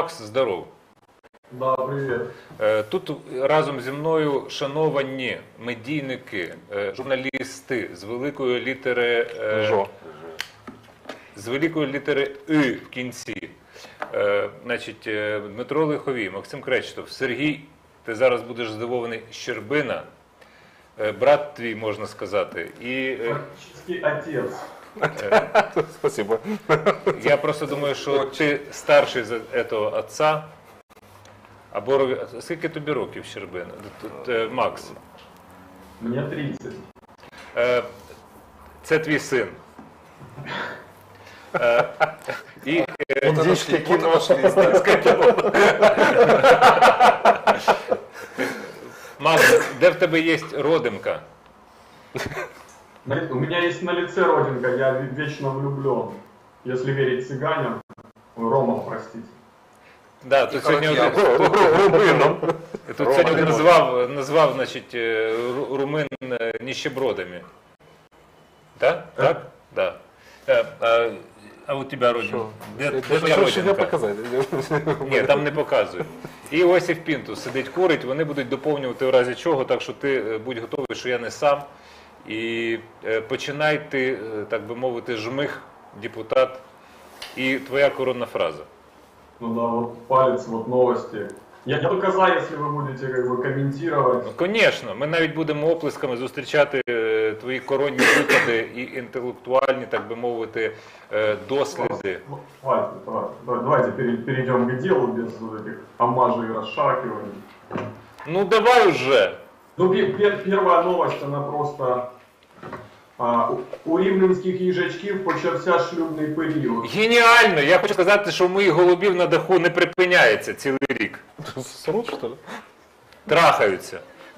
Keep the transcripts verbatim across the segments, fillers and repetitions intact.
Макс, здоров. Да, привіт. Тут разом зі мною шановані медійники, журналісти з великої літери Жо. з великої літери «и» в кінці. Значить, Дмитро Лиховій, Максим Кречетов, Сергій, ти зараз будеш здивований, Щербина, брат твій, можна сказати. І Практически отець. Спасибо. Я просто думаю, що ти старший за цього отця. А Борові, скільки тобі років, Щербина? Макс? Мені тридцять. Це твій син. І Індійське кіно. Макс, де в тебе є родимка? У меня есть на лице родинка, я вечно влюблен. Если верить цыганям, Рома, простите. Да, тут сьогодні один, тут сьогодні один назвав, назвав, значить, румин ніщебродами. Так? Так? Да. А, а у тебе родинка? Де, де твоя родинка? Показати? Ні, там не показують. І Осип Пінтус сидить, курить, вони будуть доповнювати в разі чого, так що ти будь готовий, що я не сам. І починай ти, так би мовити, жмих, депутат, і твоя коронна фраза. Ну да, вот палец, вот новости. Я, я только за, если вы будете как бы комментировать. Ну, звісно, ми навіть будемо оплесками зустрічати твої коронні виклади і інтелектуальні, так би мовити, досліди. Давайте, давайте, давайте перейдем к делу без этих омажей и расшаркиваний. Ну давай уже. Ну, первая новость, она просто... А, у рівненських їжачків почався шлюбний період. Геніально! Я хочу сказати, що у моїх голубів на даху не припиняється цілий рік. Срут, що ли? Трахаються.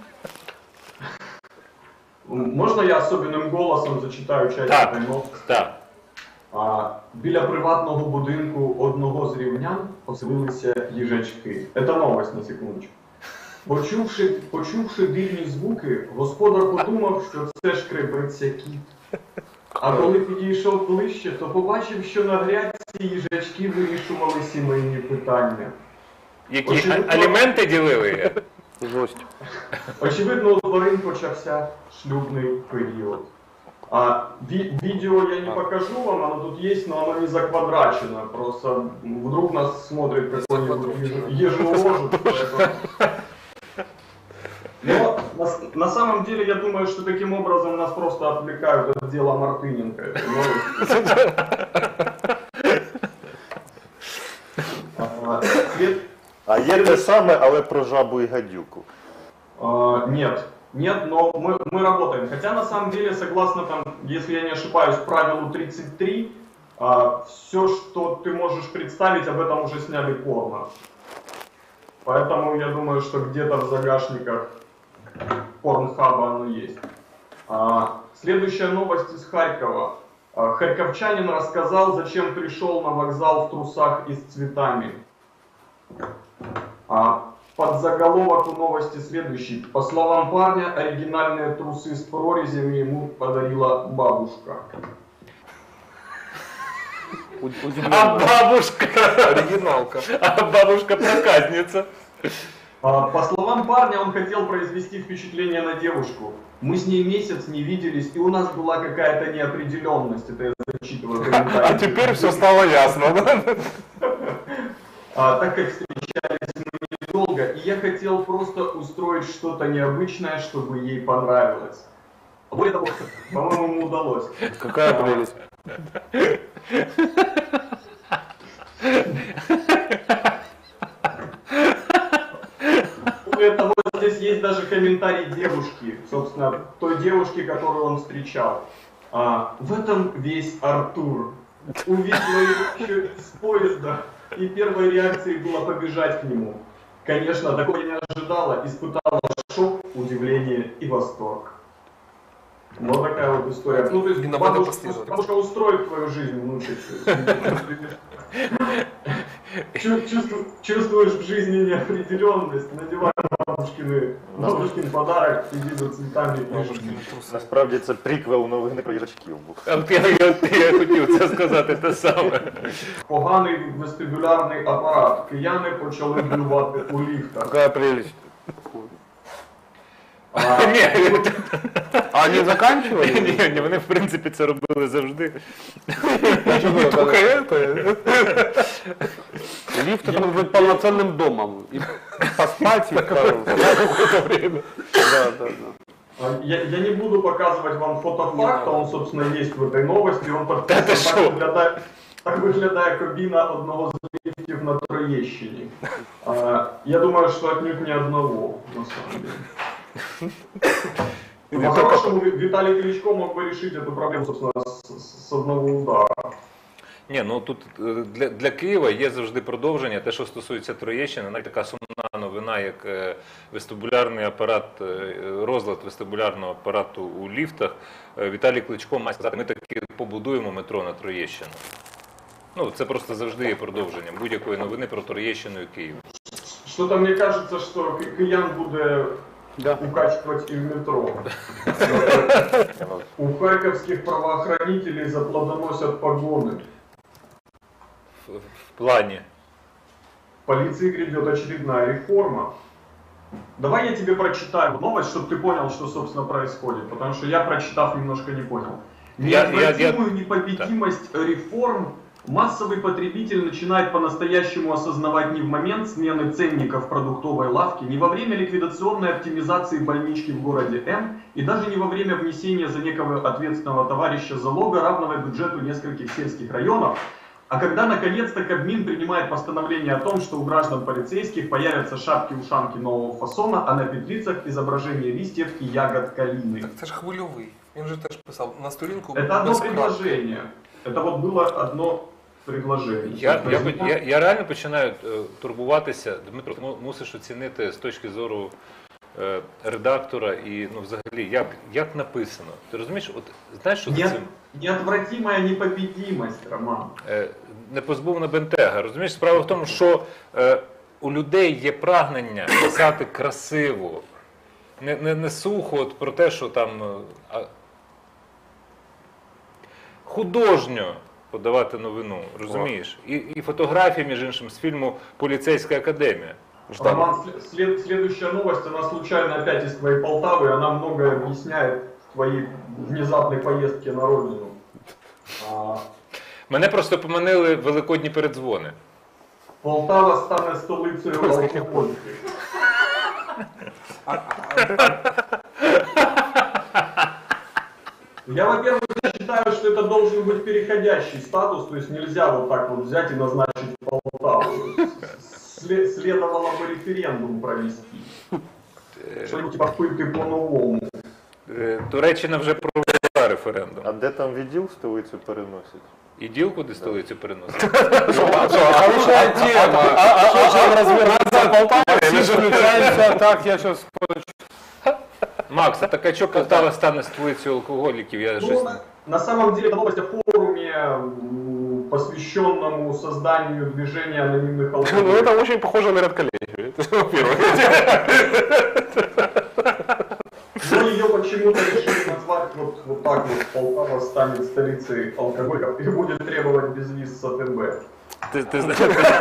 Можна я особливим голосом зачитаю часть Так, цієї новості? так. А, біля приватного будинку одного з рівнян оселилися їжачки. Це новость, на секундочку. Почувши, почувши дивні звуки, господар подумав, що це шкребеться кіт. А коли підійшов ближче, то побачив, що на грядці їжачки вирішували сімейні питання. Які Очевидно, аліменти ділили? Жесть. Очевидно, у тварин почався шлюбний період. А, ви, видео я не покажу вам, оно тут есть, но оно не заквадрачено. Просто вдруг нас смотрит какой-нибудь ежеложек. Но на, на самом деле я думаю, что таким образом нас просто отвлекают от дела Мартыненко. А, след... а є те саме, але про жабу і гадюку? А, нет. Нет, но мы, мы работаем. Хотя на самом деле, согласно там, если я не ошибаюсь, правилу тридцать три, а, все, что ты можешь представить, об этом уже сняли порно. Поэтому я думаю, что где-то в загашниках порнхаба оно есть. А, следующая новость из Харькова. А, харьковчанин рассказал, зачем пришел на вокзал в трусах и с цветами. А, подзаголовок у новости следующий. По словам парня, оригинальные трусы с прорезями ему подарила бабушка. А бабушка? Оригиналка. А бабушка проказница. По словам парня, он хотел произвести впечатление на девушку. Мы с ней месяц не виделись, и у нас была какая-то неопределенность. Это я зачитываю комментарий. А теперь все стало ясно, да? А, так как встречались мы недолго, и я хотел просто устроить что-то необычное, чтобы ей понравилось. Более того, по-моему, ему удалось. Какая прелесть. Более того, здесь есть даже комментарий девушки, собственно, той девушки, которую он встречал. А, в этом весь Артур. Увидела его еще с поезда, и первой реакцией было побежать к нему. Конечно, такого я не ожидала, испытала шок, удивление и восторг. Вот такая вот история. Ну, то есть бабушка, бабушка устроит твою жизнь, внучек. Чувствуешь в жизни неопределенность, надевай бабушкины, бабушкин подарок, иди за цветами. Насправді це приквел новини про їжачків був. А от я, я, я хотів це сказати те саме. Поганий вестибулярний апарат. Кияни почали блювати у ліфтах. Какая прелесть. А, Ні, А они заканчивали? ні, ні, вони в принципі це робили завжди. Не только это. Лифт это может быть полноценным домом. И поспать и какое-то время. Да, да, да. Я, я не буду показывать вам фотофакт, он, собственно, есть в этой новости. Он подписан, Та ти так, що? виглядає, так виглядає кабіна одного з ліфтів на Троєщині. А, я думаю, что отнюдь не одного, на самом деле. По-хорошему, Виталий Кличко мог бы решить эту проблему, собственно, с, с одного удара. Ні, ну тут е, для, для Києва є завжди продовження. Те, що стосується Троєщини, навіть така сумна новина, як е, вестибулярний апарат, е, розлад вестибулярного апарату у ліфтах. Е, Віталій Кличко має сказати, ми таки побудуємо метро на Троєщину. Ну, це просто завжди є продовженням будь-якої новини про Троєщину і Київ. Что-то мне кажется, что Ки- Киян будет Да. укачивать и в метро. У харьковских правоохранителей заплодоносят погоны. В, в плані. В полиции грядет очередная реформа. Давай я тебе прочитаю новость, чтобы ты понял, что, собственно, происходит. Потому что я, прочитав, немножко не понял. Я- я- я- Неотвратимую непобедимость реформ массовый потребитель начинает по-настоящему осознавать не в момент смены ценников в продуктовой лавке, не во время ликвидационной оптимизации больнички в городе М и даже не во время внесения за некого ответственного товарища залога, равного бюджету нескольких сельских районов, а когда наконец-то Кабмин принимает постановление о том, что у граждан полицейских появятся шапки-ушанки нового фасона, а на петлицах изображение листьев и ягод калины. Так це ж хвильовий. Він же теж писав на сторінку. Это одно без крапки. предложение. Это вот было одно предложение. Я, я, я, я реально починаю е, турбуватися. Дмитро, ти му- мусиш оцінити з точки зору е, редактора і ну, взагалі, як, як написано. Ти розумієш, от знаєш, що за Нет, цим неотвратимая непобедимость, Роман. е, непозбувна бентега. Розумієш, справа в тому, що е, у людей є прагнення писати красиво, не, не, не сухо от про те, що там е, а, художньо подавати новину, розумієш? І, і фотографії, між іншим, з фільму «Поліцейська академія». Роман, след- след- следующая новость, она случайно опять из твоей Полтавы, она многое объясняет в твоей внезапной поездке на родину. А, Мене просто поманили великодні передзвони. Полтава стане столицею алкоголики. Я, во-первых, считаю, что это должен быть переходящий статус, то есть нельзя вот так вот взять и назначить Полтаву. Сле- следовало бы референдум провести. Что-нибудь типа пытки по-новому. Е, Туреччина вже провела референдум. А де там відділ столицю переносять? І діл куди столицю переносить? Хорошая тема. Что же разбираться в Полтаве? Все же включаемся. Так, я сейчас... Макс, а так а що Полтава стане столицею алкоголіків? Я щось... Ну, на, на самом деле, это новость о форуме, м, посвященному созданию движения анонимных Ну, алкоголиков. это очень похоже на редколлегию. Это во-первых. Но ее почему-то решили назвать вот, вот так вот. Полтава станет столицей алкоголиков и будет требовать безвиз с АТБ. Ти, ти знаєш,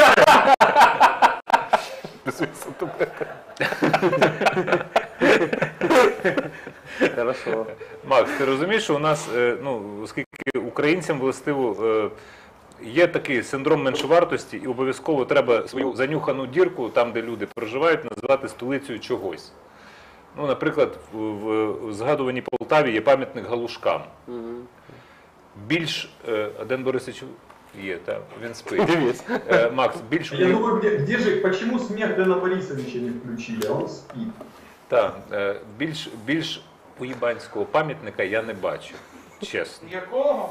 Хорошо. Макс, ти розумієш, що у нас, е, ну, оскільки українцям властиво е, є такий синдром меншовартості, і обов'язково треба свою занюхану дірку, там, де люди проживають, називати столицею чогось. Ну, наприклад, в, в, в згадуваній Полтаві є пам'ятник галушкам. Більш, е, а Ден Борисович є, так, він спить. Дивись. Е, Макс, більш, Я думаю, где, где же, почему смех Дэна Борисовича не включили, а он спит. та, е, більш, більш уїбанського пам'ятника я не бачу, чесно. Якого?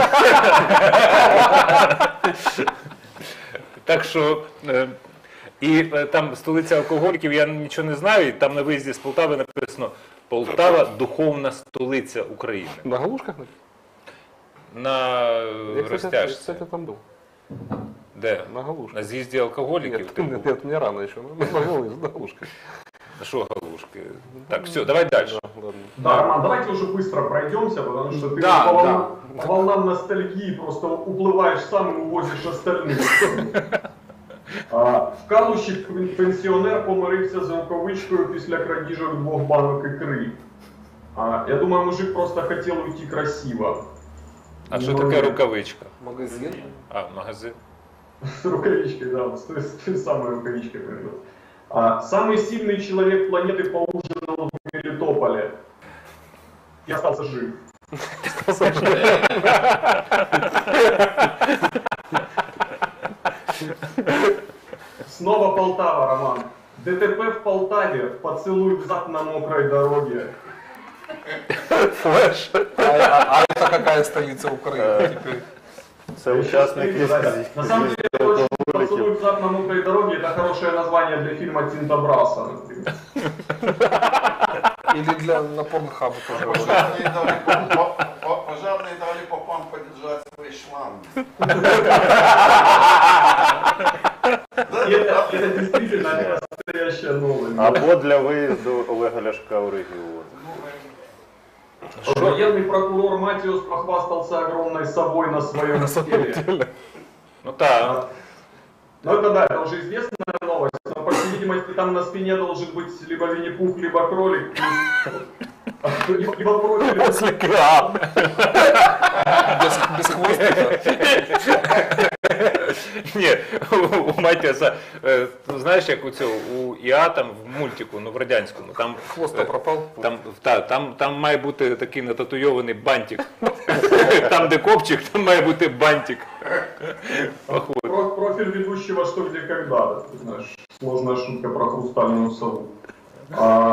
Так що, е, і е, там столиця алкоголіків, я нічого не знаю, і там на виїзді з Полтави написано «Полтава – духовна столиця України». На галушках? На е, Я, кстати, розтяжці. кстати, там был. Де? На галушках. На з'їзді алкоголіків? Нет, ти нет, був? нет, мне рано еще. На галушках. Що галушки? Так, все, давай дальше. Да, Роман, давайте уже быстро пройдемся, потому что ты Да, по, волнам, да. по волнам ностальгии просто уплываешь сам и увозишь остальных. А, в Калуші пенсіонер помирився з рукавичкою після крадіжок двох банок ікри. А, я думаю, мужик просто хотел уйти красиво. А що Ну, таке рукавичка? Магазин. А, магазин. С рукавичкой, да, с той, с той самой рукавичкой придет. А, самый сильный человек планеты поужинал в Мелитополе и остался жив. Снова Полтава, Роман. ДТП в Полтаве, поцелуй взад на мокрой дороге. Флеш. А, а- а это какая столица Украины теперь? Це учасник із На самом деле, очень поцелуй взад на мокрой дороге это хорошее название для фильма Тинта Браса, например. Или для на порнхабу тоже. Пожарные дали по- по- по- пожарные дали попам подержать свои шланги. И это, это действительно настоящая новость. Або для виїзду Олега Ляшка у регіон. Военный прокурор Матиус похвастался огромной совой на своем теле. Ну так. Ну это да, это уже известная новость, но по всей видимости там на спине должен быть либо Винни-Пух, либо кролик, либо либо профиль. Без, без хвостика. Ні, у Матіаса, е, ну, знаєш, як у цього, у Іа там в мультику, ну в радянському, там, Хвост пропал. там, та, там, там має бути такий нататуйований бантик. Там, де копчик, там має бути бантик. Походу. Про- профиль ведущего «Что, где, когда». Ты знаешь, сложная шутка про хрустальную сову. А,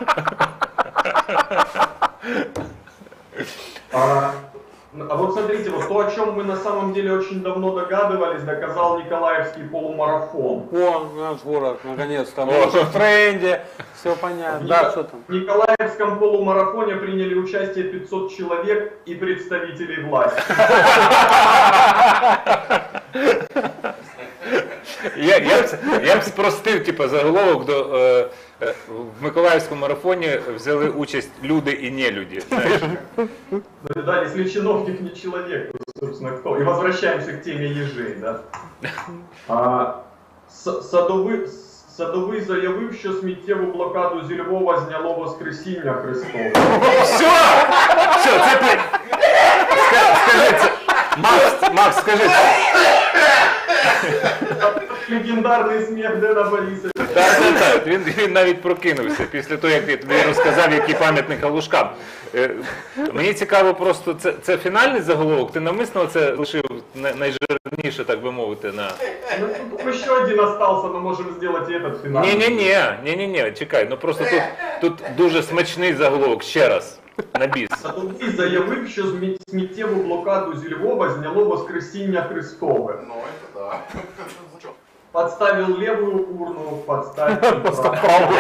а, а вот смотрите, вот то, о чем мы на самом деле очень давно догадывались, доказал Николаевский полумарафон. О, наш город, наконец-то. Мы уже в тренде. Все понятно. Да, что там? В Николаевском полумарафоне приняли участие пятьсот человек и представителей власти. Я, я, б, я б спростив, типу, заголовок до, е, е, в Миколаївському марафоні взяли участь люди і нелюді. Знаєш? Ну да, если чиновник не человек, то, собственно, кто? И возвращаемся к теме ежей, да? А, С- Садовий, Садовий заявив, що сміттєву блокаду зі Львова зняло Воскресіння Христове. Все! Все, це ти! Ска- Скажи це! Макс, Макс, скажи це! Легендарний сміх Дена Борисовича. Так, так, так. Він, він навіть прокинувся після того, як я тобі розказав, який пам'ятник Галушкам. Е, Мені цікаво просто, це, це фінальний заголовок? Ти навмисно це лишив най- найжирніше, так би мовити, на... Ну, тут еще один остался, но можем сделать и этот финал. Ні-ні-ні, ні-ні-ні, чекай, ну просто тут, тут дуже смачний заголовок, ще раз, на біс. Садовий заявив, що змі- сміттєву блокаду зі Львова зняло Воскресіння Христове. Ну это да. Подставил левую урну, подставил правую.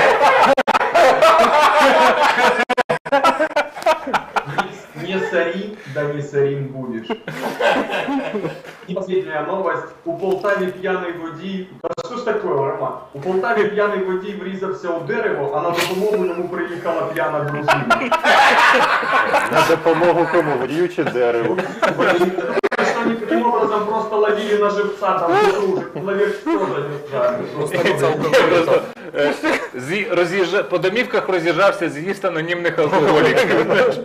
Не не сори, да не сорим будешь. И последняя новость. У Полтаві п'яний водій... Да що ж таке, Роман? У Полтаві п'яний водій врізався у дерево, а на допомогу йому приїхала п'яна дружина. На допомогу кому? Водію чи дереву? Что они таким образом просто ловили на живца, там дружит. Человек тоже не знаю. Столица алкоголя. Просто, е, зі- роз'їжджа- по домівках роз'їжджався з'їзд анонімних алкоголіків.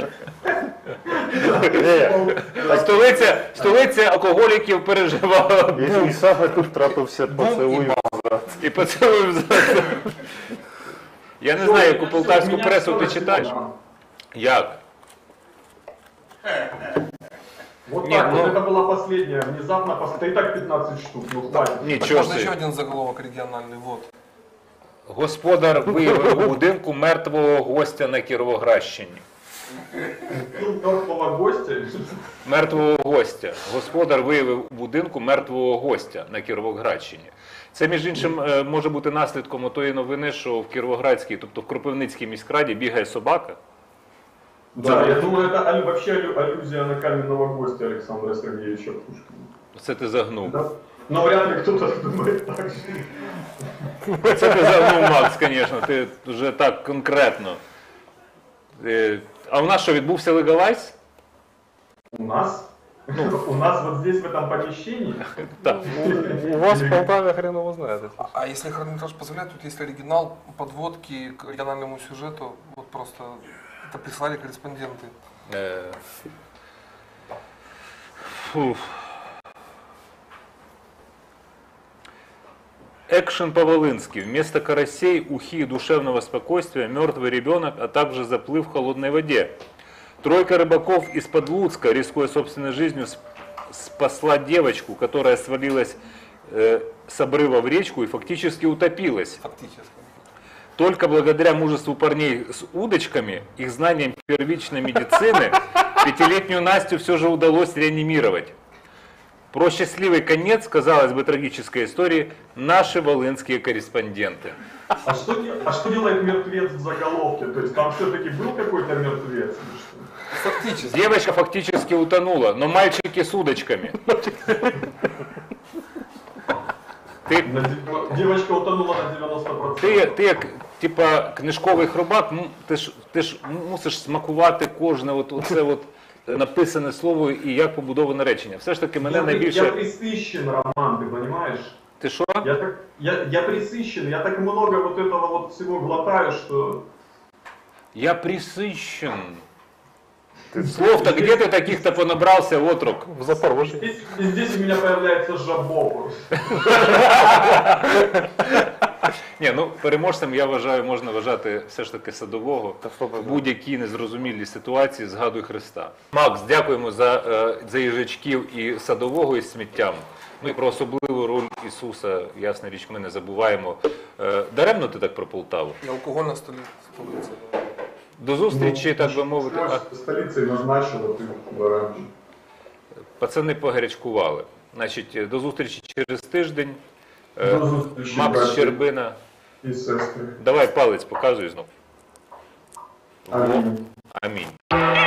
Столиця, столиця алкоголіків переживала І, і саме тут трапився поцілуй. і поцілуй взад. Я не знаю, яку полтавську пресу ти читаєш. Як? Вот Нет, так, ну- вот это была последняя, внезапно, пос- да и так пятнадцать штук, ну хватит. Нічого Можно еще собі. один заголовок региональный, вот. Господар виявив у будинку мертвого гостя на Кіровоградщині. Ну, мертвого гостя. Мертвого гостя. Господар виявив у будинку мертвого гостя на Кіровоградщині. Це, між іншим, е, може бути наслідком тої новини, що в Кіровоградській, тобто в Кропивницькій міськраді бігає собака. Да, я думаю, это аллю- вообще аллю- аллюзия на каменного гостя Александра Сергеевича Пушкина. Це ти загнув. Да? Но вряд ли кто-то думает так же. Це казав, ну, Макс, звісно, ти вже так конкретно. Е, А у нас що, відбувся легалайз? У нас? У нас вот здесь, в этом помещении? Так. У вас в Полтаве хрен его знает. А, а если хронометраж позволяет, тут есть оригинал подводки к региональному сюжету. Вот просто это прислали корреспонденты. Е, фуф. Экшен по-волынски. Вместо карасей, ухи и душевного спокойствия мертвый ребенок, а также заплыв в холодной воде. Тройка рыбаков из-под Луцка, рискуя собственной жизнью, сп- спасла девочку, которая свалилась э, с обрыва в речку и фактически утопилась. Фактически. Только благодаря мужеству парней с удочками, их знаниям первичной медицины, пятилетнюю Настю все же удалось реанимировать. Про счастливый конец, казалось бы, трагической истории, наши волынские корреспонденты. А что, де- а что делает мертвец в заголовке? То есть там все-таки был какой-то мертвец? или что? Фактически. Девочка фактически утонула, но мальчики с удочками. Ти, На дев- Девочка утонула на девяносто процентов. ти, ти як типа книжковий хробак, ну, ти ж, ти ж мусиш смакувати кожне от, оце от написане слово і як побудоване речення. Все ж таки мене я, при- я найбільше... присыщен, Роман, ты понимаешь? Ти що? Я, так, я, я присыщен, я так много вот этого вот всего глотаю, что... Я присыщен. Слов-то где ты таких-то понабрался, отрок? В Запорожье. Здесь, и здесь у меня появляется жабо. Ні, ну переможцем я вважаю, можна вважати все ж таки Садового. Та що ви В будь-якій незрозумілій ситуації згадуй Христа. Макс, дякуємо за, е, за їжачків і Садового із сміттям. Ну і про особливу роль Ісуса, ясна річ, ми не забуваємо. Е, Даремно ти так про Полтаву? И алкогольная столи- столица. До зустрічі, так би мовити. А, Столицей назначила ты, баранчик. пацани погарячкували. Значить, до зустрічі через тиждень. Е, До зустрічі, Макс браті Щербина. і сестри. Давай палець показуй знов. Амінь. Амінь.